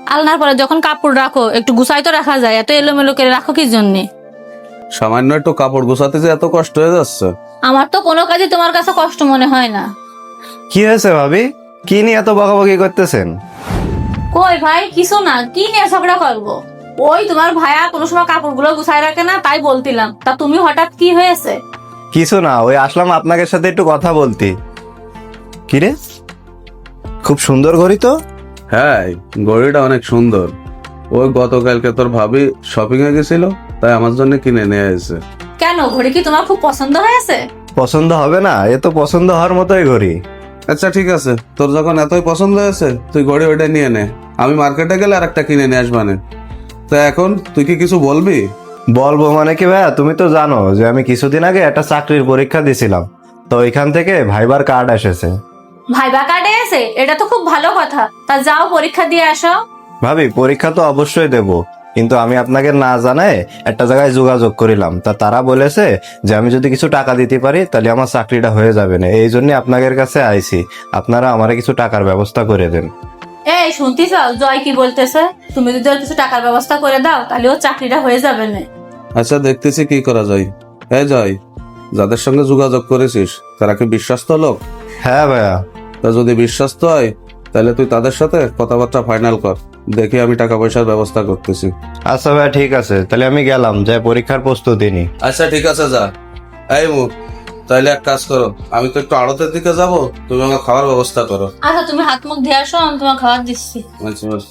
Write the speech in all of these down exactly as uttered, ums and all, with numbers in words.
আলনার পরে যখন কাপড় রাখো একটু গুছাই তো রাখা যায়, এত এলোমেলো করে রাখো কি জন্যে? সামান্য একটু কাপড় গোছাতে যে এত কষ্ট হয়ে যাচ্ছে? আমার তো কোনো কাজই তোমার কাছে কষ্ট মনে হয় না। কি হয়েছে ভাবি? কি নিয়ে এত বকাবকি করতেছেন? কই ভাই কিছু না, কি নিয়ে ঝগড়া করবো? ওই তোমার ভাইয়া কোনো সময় কাপড়গুলো গুছাই রাখে না, তাই বলতিলাম। তা তুমি হঠাৎ কি হয়েছে? কিছু না, ওই আসলাম আপনাদের সাথে একটু কথা বলতে। কিরে, খুব সুন্দর ঘড়ি তো। হ্যাঁ, ঘড়িটা অনেক সুন্দর। ওই গতকালকে তোর ভাবি শপিং এ গেছিল, তাই আমার জন্য কিনে নিয়ে এসেছে। কেন, ঘড়ি কি তোমার খুব পছন্দ হয়েছে? পছন্দ হবে না? এ তো পছন্দ হওয়ার মতোই ঘড়ি। আচ্ছা ঠিক আছে, তোর যখন এতই পছন্দ হয়েছে তুই ঘড়ি ওইটা নিয়ে নে, আমি মার্কেটে গেলে আর একটা কিনে নিয়ে আসবানে। তা এখন তুই কি কিছু বলবি? বলবো মানে কি ভাইয়া, তুমি তো জানো যে আমি কিছুদিন আগে একটা চাকরির পরীক্ষা দিয়েছিলাম, তো ওইখান থেকে ভাইবার কার্ড এসেছে। ভাইবা কার্ডে আছে? এটা তো খুব ভালো কথা। তা যাও পরীক্ষা দিয়ে আসো। ভাবি, পরীক্ষা তো অবশ্যই দেব, কিন্তু আমি আপনাকে না জানায় একটা জায়গায় যোগাযোগ করিলাম, তা তারা বলেছে যে আমি যদি কিছু টাকা দিতে পারি তাহলে আমার চাকরিটা হয়ে যাবে না। এই জন্য আপনাদের কাছে আইছি, আপনারা আমারে কিছু টাকার ব্যবস্থা করে দেন। এই শুনতেছ জয় কি বলতেছে? তুমি যদি ওর কিছু টাকার ব্যবস্থা করে দাও তাহলে ওর চাকরিটা হয়ে যাবে না। আচ্ছা দেখতেছি কি করা যায়। হ্যাঁ জয়, যাদের সঙ্গে যোগাযোগ করেছিস তারা কি বিশ্বস্ত লোক? হ্যাঁ ভাইয়া। তা যদি বিশ্বস্ত হয় তাহলে তুই তাদের সাথে কথাবার্তা ফাইনাল কর, দেখি আমি টাকা পয়সার ব্যবস্থা করতেছি। আচ্ছা ভাইয়া, ঠিক আছে, তাহলে আমি গেলাম, যে পরীক্ষার প্রস্তুতি নি। আচ্ছা ঠিক আছে, যা। এই মু, তাইলে এক কাজ করো, আমি তো একটু আড়তের দিকে যাব, তুমি আমার খাওয়ার ব্যবস্থা করো। আচ্ছা তুমি হাত মুখ ধুয়ে আসো, আমি তোমার খাবার দিচ্ছি। আচ্ছা আচ্ছা।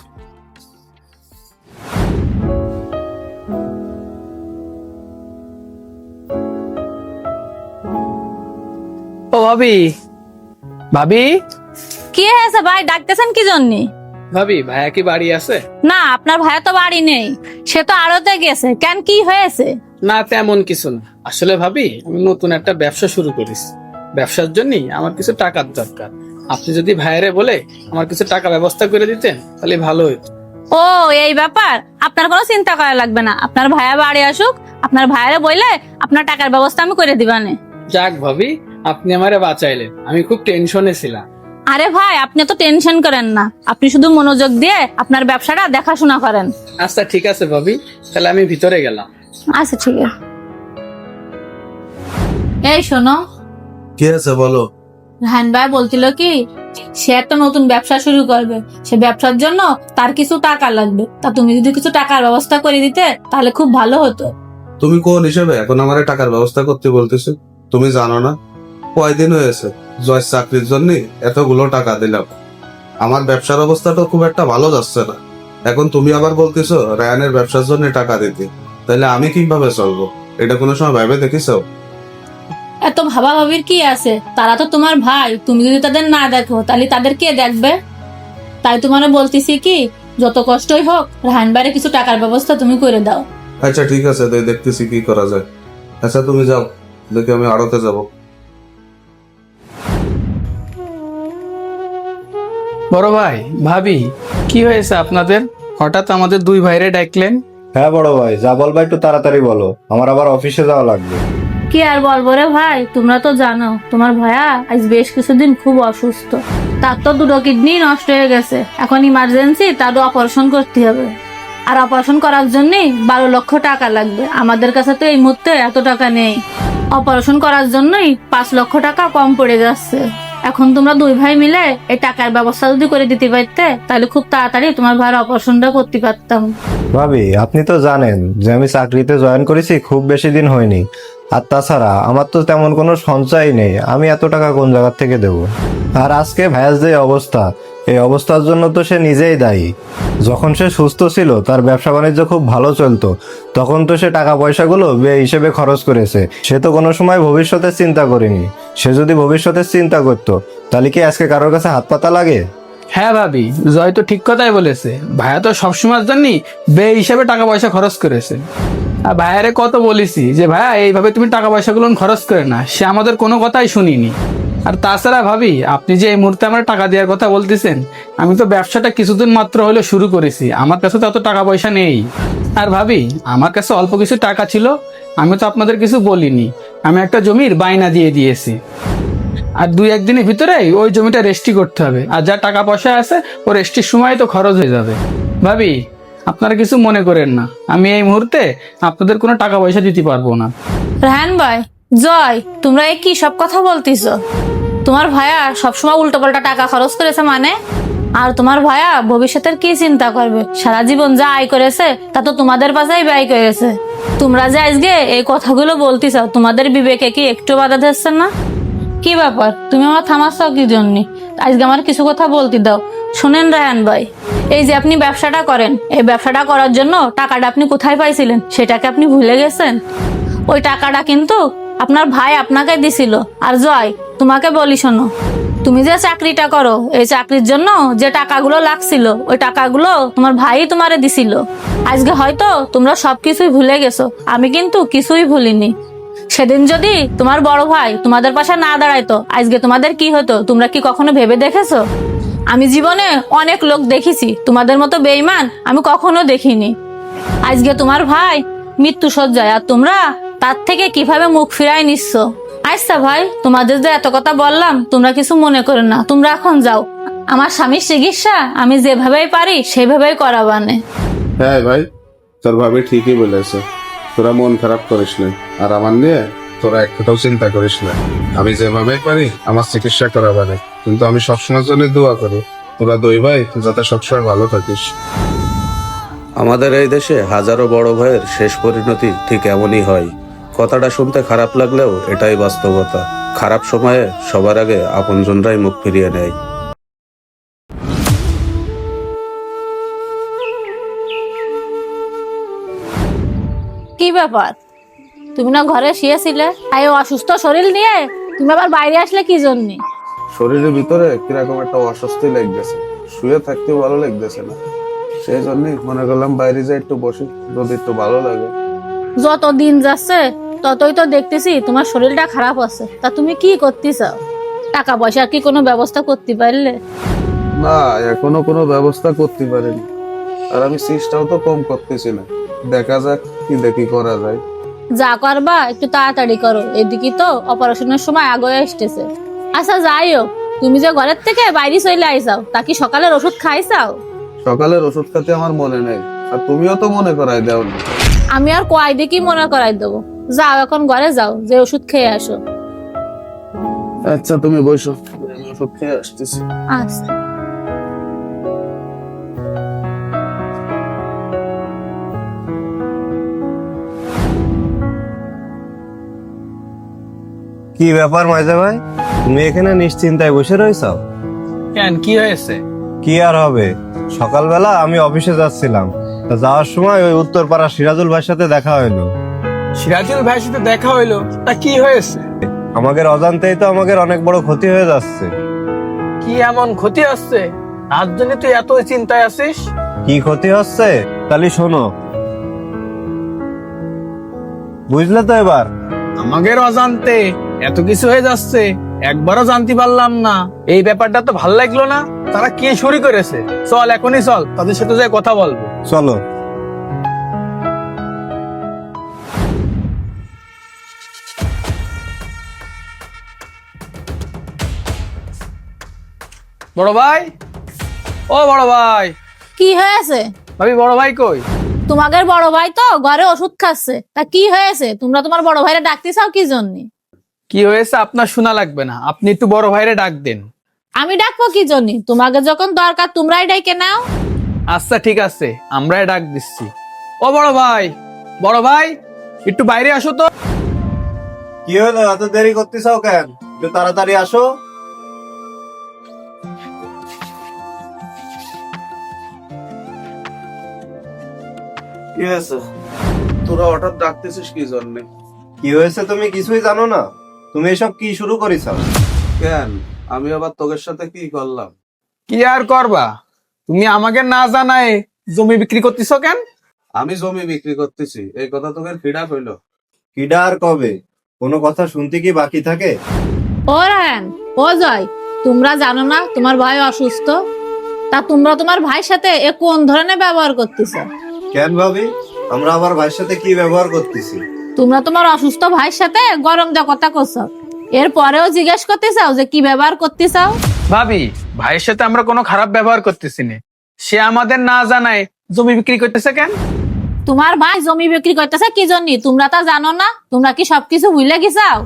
ও ভাবি, ভাবি কি হয়েছে ভাই, ডাকতেছেন কি জন্যে? ভাবি ভাইয়া কি বাড়ি আছে? না, আপনার ভাইয়া তো বাড়ি নেই, সে তো আড়তে গেছে। কেন, কি হয়েছে? না তেমন কিছু না। আসলে ভাবি আমি নতুন একটা ব্যবসা শুরু করেছি, ব্যবসার জন্য আমার কিছু টাকার দরকার। আপনি যদি ভাইয়ারে বলে আমার কিছু টাকা ব্যবস্থা করে দিতেন তাহলে ভালো হতো। ও এই ব্যাপার, আপনার কোনো চিন্তা করা লাগবে না। আপনার ভাইয়া বাড়ি আসুক, আপনার ভাইয়ারে বললে আপনার টাকার ব্যবস্থা আমি করে দিবানে। যাক ভাবি, আপনি আমারে বাঁচাইলেন, আমি খুব টেনশনে ছিলাম। আরে ভাই, আপনি তো টেনশন করেন না, আপনি শুধু মনোযোগ দিয়ে আপনার ব্যবসাটা দেখাশোনা করেন। আচ্ছা ঠিক আছে ভাবি, তাহলে আমি ভিতরে গেলাম। আচ্ছা ঠিক আছে। এই শোনো, কি আছে বলো। রাহান ভাই বলছিল কি সে একটা নতুন ব্যবসা শুরু করবে, সে ব্যবসার জন্য তার কিছু টাকা লাগবে। তা তুমি যদি কিছু টাকার ব্যবস্থা করে দিতে তাহলে খুব ভালো হতো। তুমি কোন হিসেবে এখন আমার টাকার ব্যবস্থা করতে বলতেছো? তুমি জানো না কয়দিন হয়েছে জয় চাকরির জন্য এতগুলো টাকা দিলাম, আমার ব্যবসার অবস্থা তো খুব একটা ভালো যাচ্ছে না। এখন তুমি আবার বলতেছো রায়ানের ব্যবসার জন্য টাকা দিতে, তাহলে আমি কিভাবে চলবো? এটা কোনো সময় ভেবে দেখিছো? এত ভাবা ভাবির কি আছে? তারা তো তোমার ভাই, তুমি যদি তাদের না দেখো তাহলে তাদের কে দেখবে? তাই তোমার বলতেছি কি, যত কষ্টই হোক রাহান ভাইয়ের কিছু টাকার ব্যবস্থা তুমি করে দাও। আচ্ছা ঠিক আছে, তাই দেখতেছি কি করা যায়। আচ্ছা তুমি যাও, দেখি আমি আড়তে যাব। বড় ভাই, ভাবি কি হয়েছে আপনাদের? হঠাৎ আমাদের দুই ভাইরে ডাকলেন? হ্যাঁ বড় ভাই, যা বলবা একটু তাড়াতাড়ি বলো, আমার আবার অফিসে যাওয়া লাগবে। কি আর বলবো রে ভাই, তোমরা তো জানো তোমার ভাইয়া আজ বেশ কিছুদিন খুব অসুস্থ। তার তো দুটো কিডনি নষ্ট হয়ে গেছে, এখন ইমার্জেন্সি তারও অপারেশন করতে হবে। আর অপারেশন করার জন্য বারো লক্ষ টাকা লাগবে। আমাদের কাছে তো এই মুহূর্তে এত টাকা নেই। অপারেশন করার জন্যই পাঁচ লক্ষ টাকা কম পড়ে যাচ্ছে। এখন তোমরা দুই ভাই মিলে এই টাকার ব্যবস্থা যদি করে দিতে পারতে তাহলে খুব তাড়াতাড়ি তোমার ভাইয়ের অপারেশনটা করতে পারতাম। ভাবি, আপনি তো জানেন যে আমি চাকরিতে জয়েন করেছি খুব বেশি দিন হয়নি, আর তাছাড়া আমার তো তেমন কোনো সঞ্চয় নেই, আমি এত টাকা কোন জায়গা থেকে দেব? আর আজকে ভাইয়ার যে অবস্থা, এই অবস্থার জন্য তো সে নিজেই দায়ী। যখন সে সুস্থ ছিল তার ব্যবসা বাণিজ্য খুব ভালো চলতো, তখন তো সে টাকা পয়সাগুলো বে হিসেবে খরচ করেছে। সে তো কোনো সময় ভবিষ্যতের চিন্তা করেনি। সে যদি ভবিষ্যতের চিন্তা করতো তাহলে কি আজকে কারোর কাছে হাত পাতা লাগে? হ্যাঁ ভাবি, জয় তো ঠিক কথাই বলেছে। ভাইয়া তো সবসময়ের জন্যই বে হিসাবে টাকা পয়সা খরচ করেছে। আর ভাইয়ারে কত বলেছি যে ভাইয়া এইভাবে তুমি টাকা পয়সাগুলো খরচ করে না, সে আমাদের কোনো কথাই শুনিনি। আর তাছাড়া ভাবি, আপনি যে এই মুহূর্তে আমার টাকা দেওয়ার কথা বলতেছেন, আমি তো ব্যবসাটা কিছুদিন মাত্র হলে শুরু করেছি, আমার কাছে তো এত টাকা পয়সা নেই। আর ভাবি, আমার কাছে অল্প কিছু টাকা ছিল, আমি তো আপনাদের কিছু বলিনি, আমি একটা জমির বায়না দিয়ে দিয়েছি। আর দুই একদিনের ভিতরে ওই জমিটা রেজিস্ট্রি করতে হবে, আর যা টাকা পয়সা আছে ও রেজিস্ট্রির সময় তো খরচ হয়ে যাবে। ভাবি, আপনারা কিছু মনে করেন না, আমি এই মুহূর্তে আপনাদের কোনো টাকা পয়সা দিতে পারবো না। রাহান ভাই, জয়, তোমরা এই কি সব কথা বলতিস? তোমার ভাইয়া সবসময় উল্টো পাল্টা টাকা খরচ করেছে মানে? আর তোমার ভাইয়া ভবিষ্যতের কি চিন্তা করবে? সারা জীবন যা আয় করেছে তা তো তোমাদের পাশেই ব্যয় করেছে। তোমরা যে আজকে এই কথাগুলো বলতিস, তোমাদের বিবেকে কি একটু বাধা দিচ্ছে না? কি ব্যাপার, তুমি আমার থামাচ্ছ কি জন্য? আজকে আমার কিছু কথা বলতে দাও। শোনেন রাহান ভাই, এই যে আপনি ব্যবসাটা করেন, এই ব্যবসাটা করার জন্য টাকাটা আপনি কোথায় পাইছিলেন সেটাকে আপনি ভুলে গেছেন? ওই টাকাটা কিন্তু আপনার ভাই আপনাকে দিছিল। আর জয়, তোমাকে বলি শোনো, তুমি যে চাকরিটা করো, এই চাকরির জন্য যে টাকাগুলো লাগছিল ওই টাকাগুলো তোমার ভাই তোমারে দিছিল। আজকে হয়তো তোমরা সবকিছুই ভুলে গেছো, আমি কিন্তু কিছুই ভুলিনি। সেদিন যদি তোমার বড় ভাই তোমাদের পাশে না দাঁড়াইতো, আজকে তোমাদের কি হতো তোমরা কি কখনো ভেবে দেখেছো? আমি জীবনে অনেক লোক দেখেছি, তোমাদের মতো বেঈমান আমি কখনো দেখিনি। আজকে তোমার ভাই মৃত্যু সজ্জায়, আর তোমরা তার থেকে কিভাবে মুখ ফিরাই নিচ্ছ। আচ্ছা ভাই, তোমাদের যে এত কথা বললাম তোমরা কিছু মনে করো না, তোমরা এখন যাও। আমার স্বামীর চিকিৎসা আমি যেভাবেই পারি সেভাবেই করাবানে। হ্যাঁ ভাই, তোর ভাবি ঠিকই বলেছে, তোরা মন খারাপ করিস না, আর আমার নিয়ে তোরা একটাও চিন্তা করিস না। আমি যেভাবে পারি আমার চিকিৎসা করাবানে, কিন্তু আমি সবসময়ের জন্য দোয়া করি তোরা দুই ভাই যাতে সবসময় ভালো থাকিস। আমাদের এই দেশে হাজারো বড় ভাইয়ের শেষ পরিণতি ঠিক এমনই হয়। কথাটা শুনতে খারাপ লাগলেও এটাই বাস্তবতা। খারাপ সময়ে সবার আগে আপনজনরাই মুখ ফিরিয়ে নেয়। কি ব্যাপার, তুমি না ঘরে শুয়েছিলে? তাই অসুস্থ শরীর নিয়ে তুমি আবার বাইরে আসলে কি জন্য? শরীরের ভিতরে কিরকম একটা অস্বস্তি লাগতেছে, শুয়ে থাকতে ভালো লাগতেছে না, সেই জন্যই মনে করলাম বাইরে যাই একটু বসি, যদি একটু ভালো লাগে। যত দিন যাচ্ছে ততই তো দেখতেছি তোমার শরীরটা খারাপ আছে, তা তুমি কি করতে চাও? টাকা পয়সার কি কোনো ব্যবস্থা করতে পারলে? না, এখনো কোনো ব্যবস্থা করতে পারিনি, আর আমি চেষ্টাও তো কম করতেছি না। দেখা যাক কি দেখি করা যায়। যা করবা একটু তাড়াতাড়ি করো, এদিকে তো অপারেশনের সময় আগে আসতেছে। আচ্ছা যাই হোক, তুমি যে ঘরের থেকে বাইরে চলে আইসাও, তা কি সকালের ওষুধ খাইছাও? সকালের ওষুধ খেতে আমার মনে নেই, আর তুমিও তো মনে করাই দাও না। আমি আর কয় দিয়ে কি মনে করাই দেবো? যাও এখন ঘরে যাও, যে ওষুধ খেয়ে আসো। আচ্ছা তুমি বসো, আমি ওষুধ খেয়ে আসতেছি। আচ্ছা। কি ব্যাপার মাইজা ভাই, তুমি এখানে নিশ্চিন্তায় বসে রয়েছো? কেন, কি হয়েছে? কি আর হবে, সকালবেলা আমি অফিসে যাচ্ছিলাম, তা যাওয়ার সময় ওই উত্তরপাড়া সিরাজুল ভাইয়ের সাথে দেখা হইলো। সিরাজুল ভাইয়ের সাথে দেখা হইলো, তা কি হয়েছে? আমাদের অজান্তেই তো আমাদের অনেক বড় ক্ষতি হয়ে যাচ্ছে। কি এমন ক্ষতি হচ্ছে তার জন্য তুই এত চিন্তায় আছিস? কি ক্ষতি হচ্ছে তাহলে শোনো, বুঝলে তো এবার? আমাদের অজান্তে এত কিছু হয়ে যাচ্ছে, একবারও জানতে পারলাম না। এই ব্যাপারটা তো ভাল লাগলো না। তারা কি শুরু করেছে? চল এখনই চল, তাদের সাথে যাই কথা বলবো। চলো। বড় ভাই, ও বড় ভাই। কি হয়েছে? ভাবি, বড় ভাই কই? তোমাদের বড় ভাই তো ঘরে ওষুধ খাচ্ছে, তা কি হয়েছে? তোমরা তোমার বড় ভাইরে ডাকতে চাও কি জন্য? কি হয়েছে আপনার শোনা লাগবে না, আপনি একটু বড় ভাইরে ডাক দেন। আমি ডাকবো কি জন্য? তোমাকে যখন দরকার তোমরাই ডাইকে নাও। আচ্ছা ঠিক আছে, আমরাই ডাক দিচ্ছি। ও বড় ভাই, বড় ভাই একটু বাইরে আসো তো। কি হলো, এত দেরি করতেছাও কেন? একটু তাড়াতাড়ি আসো। কি হয়েছে? তোরা হঠাৎ ডাকতেছিস কি জন্যে? কি হয়েছে তুমি কিছুই জানো না? তুমি এসব কি শুরু করেছো? কেন, আমি আবার তোদের সাথে কি করলাম? কি আর করবা, তুমি আমাকে না জানায় জমি বিক্রি করতেছো কেন? আমি জমি বিক্রি করতেছি এই কথা তোদের খিড়া কইলো? কিডা আর কবে? কোনো কথা শুনতে কি বাকি থাকে? ও রায়ন, ও জয়, তোমরা জানো না তোমার ভাই অসুস্থ? তা তোমরা তোমার ভাইয়ের সাথে এ কোন ধরনের ব্যবহার করতেছো? কেন ভাবি, আমরা আবার ভাইয়ের সাথে কি ব্যবহার করতেছি? তোমরা তোমার অসুস্থ ভাইয়ের সাথে গরম যা কথা করছো, এর পরেও জিজ্ঞেস করতে চাও যে কি ব্যবহার করতে চাও? ভাবি, ভাইয়ের সাথে আমরা কোনো খারাপ ব্যবহার করতেছি না। সে আমাদের না জানায় জমি বিক্রি করতেছে কেন? তোমার ভাই জমি বিক্রি করতেছে কি জন্য তোমরা তা জানো না? তোমরা কি সবকিছু ভুলে গেছাও?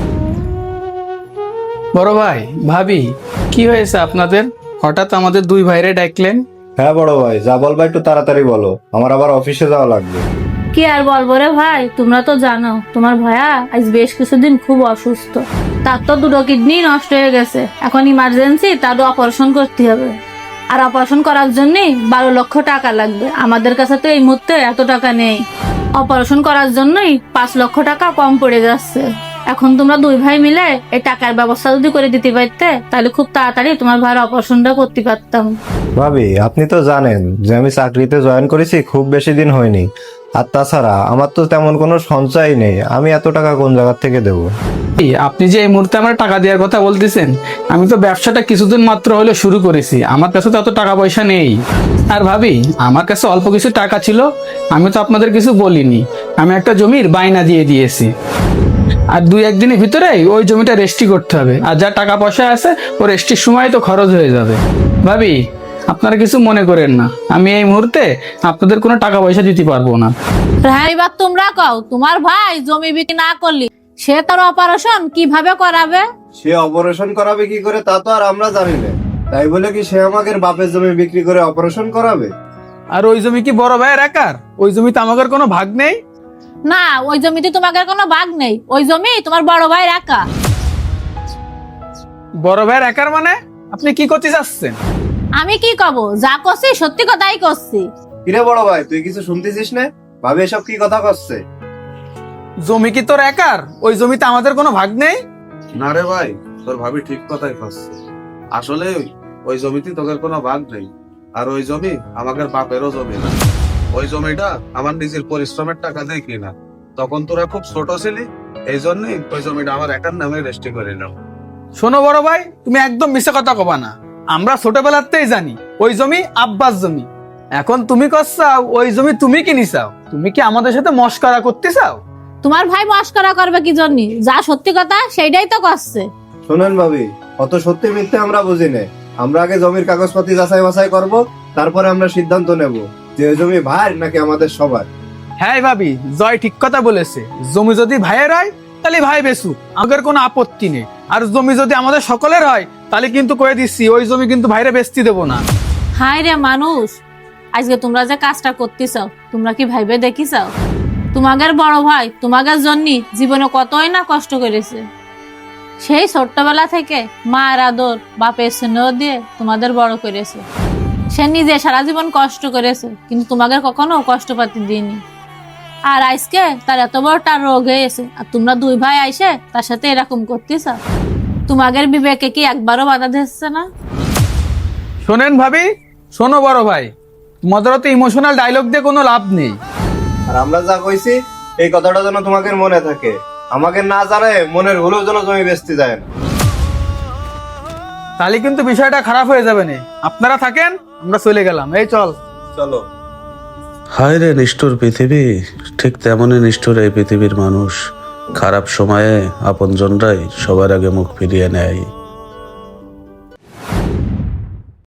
বড় ভাই, ভাবি, কি হয়েছে আপনাদের? হঠাৎ আমাদের দুই ভাইরে ডাকলেন? হ্যাঁ বড় ভাই, যা বলবা একটু তাড়াতাড়ি বলো, আমার আবার অফিসে যাওয়া লাগবে। কি আর বলবো রে ভাই, তোমরা তো জানো তোমার ভাইয়া আজ বেশ কিছুদিন খুব অসুস্থ। তার তো দুটো কিডনি নষ্ট হয়ে গেছে, এখন ইমার্জেন্সি তারও অপারেশন করতে হবে। আর অপারেশন করার জন্যই বারো লক্ষ টাকা লাগবে। আমাদের কাছে তো এই মুহূর্তে এত টাকা নেই। অপারেশন করার জন্যই পাঁচ লক্ষ টাকা কম পড়ে যাচ্ছে। এখন তোমরা দুই ভাই মিলে এই টাকার ব্যবস্থা যদি করে দিতে পারতে তাহলে খুব তাড়াতাড়ি তোমার ভাইয়ের অপারেশনটা করতে পারতাম। ভাবি, আপনি তো জানেন যে আমি চাকরিতে জয়েন করেছি খুব বেশি দিন হয়নি। আর তাছাড়া আমার তো তেমন কোনো সঞ্চয় নেই, আমি এত টাকা কোন জায়গা থেকে দেবো? এই, আপনি যে এই মুহূর্তে আমার টাকা দেওয়ার কথা বলতেছেন, আমি তো ব্যবসাটা কিছুদিন মাত্র হলে শুরু করেছি, আমার কাছে তো এত টাকা পয়সা নেই। আর ভাবি, আমার কাছে অল্প কিছু টাকা ছিল, আমি তো আপনাদের কিছু বলিনি, আমি একটা জমির বায়না দিয়ে দিয়েছি। আর দুই একদিনের ভিতরেই ওই জমিটা রেজিস্ট্রি করতে হবে, আর যা টাকা পয়সা আছে ও রেজিস্ট্রির সময় তো খরচ হয়ে যাবে। ভাবি, আপনারা কিছু মনে করেন না, আমি এই মুহূর্তে আপনাদের কোনো টাকা পয়সা দিতে পারবো না। হ্যাঁ, এবার তোমরা কও, তোমার ভাই জমি বিক্রি না করলি সে তার অপারেশন কিভাবে করাবে? সে অপারেশন করাবে কি করে তা তো আর আমরা জানি না, তাই বলে কি সে আমাদের বাপের জমি বিক্রি করে অপারেশন করাবে? আর ওই জমি কি বড় ভাইয়ের একার? ওই জমিতে আমাদের কোনো ভাগ নেই। না, ওই জমিতে তোমাদের কোনো ভাগ নেই, ওই জমি তোমার বড় ভাইয়ের একা। বড় ভাইয়ের একার মানে? আপনি কি করতে চাচ্ছেন? আমি কি কব, যা করছি সত্যি কথাই করছি। কিরে বড় ভাই, তুই কিছু শুনতেছিস না? ভাবি এসব কি কথা করছে? জমি কি তোর একার? ওই জমিতে আমাদের কোনো ভাগ নেই। না রে ভাই, তোর ভাবি ঠিক কথাই করছে। আসলে ওই জমিতে তোদের কোনো ভাগ নেই, আর ওই জমি আমাদের বাপেরও জমি না। ওই জমিটা আমার নিজের পরিশ্রমের টাকা দিয়ে কিনা। তখন তোরা খুব ছোট ছিলি, এই জন্যই ওই জমিটা আমার একার নামে রেজিস্ট্রি করে নিলাম। শোনো বড় ভাই, তুমি একদম মিথ্যা কথা কবা না। আমরা ছোটবেলাতেই জানি ওই জমি আব্বাস জমি। এখন তুমি করছাও ওই জমি তুমি কিনি চাও? তুমি কি আমাদের সাথে মস্করা করতে চাও? তোমার ভাই মস্করা করবে কি জন্য? যা সত্যি কথা সেইটাই তো করছে। শোনেন ভাবি, অত সত্যি মিথ্যে আমরা বুঝি না। আমরা আগে জমির কাগজপাতি যাচাই বাছাই করব, তারপরে আমরা সিদ্ধান্ত নেব যে ওই জমি ভাই নাকি আমাদের সবার। হ্যাঁ ভাবি, জয় ঠিক কথা বলেছে। জমি যদি ভাইয়ের হয় তাহলে ভাই বেসু, আমাদের কোনো আপত্তি নেই। আর জমি যদি আমাদের সকলের হয় তাহলে কিন্তু কয়ে দিচ্ছি ওই জমি কিন্তু ভাইরে বেচতে দেবো না। হায় রে মানুষ, আজকে তোমরা যে কাজটা করতেছ তোমরা কি ভাইবে দেখিছ? তোমাদের বড় ভাই তোমাদের জন্য জীবনে কতই না কষ্ট করেছে। সেই ছোট্টবেলা থেকে মার আদর বাপের স্নেহ দিয়ে তোমাদের বড় করেছে। সে নিজে সারা জীবন কষ্ট করেছে, কিন্তু তোমাদের কখনো কষ্ট পাতি দিইনি। আর আজকে তার এত বড় তার রোগ হয়েছে, আর তোমরা দুই ভাই আইসে তার সাথে এরকম করতেছ। তোমাদের বিবেকে কি একবারও বাধা দিচ্ছে না? শোনেন ভাবি, শোনো বড় ভাই, তোমাদের তো ইমোশনাল ডায়লগ দিয়ে কোনো লাভ নেই। আর আমরা যা কইছি এই কথাটা যেন তোমাদের মনে থাকে, আমাকে না জানে মনের হলেও যেন জমি বেচতে যায় না। তাহলে কিন্তু বিষয়টা খারাপ হয়ে যাবে না। আপনারা থাকেন, আমরা চলে গেলাম। এই চল। চলো। হায় রে নিষ্ঠুর পৃথিবী, ঠিক তেমনই নিষ্ঠুর এই পৃথিবীর মানুষ। খারাপ সময়ে আপনজনরাই সবার আগে মুখ ফিরিয়ে নেয়।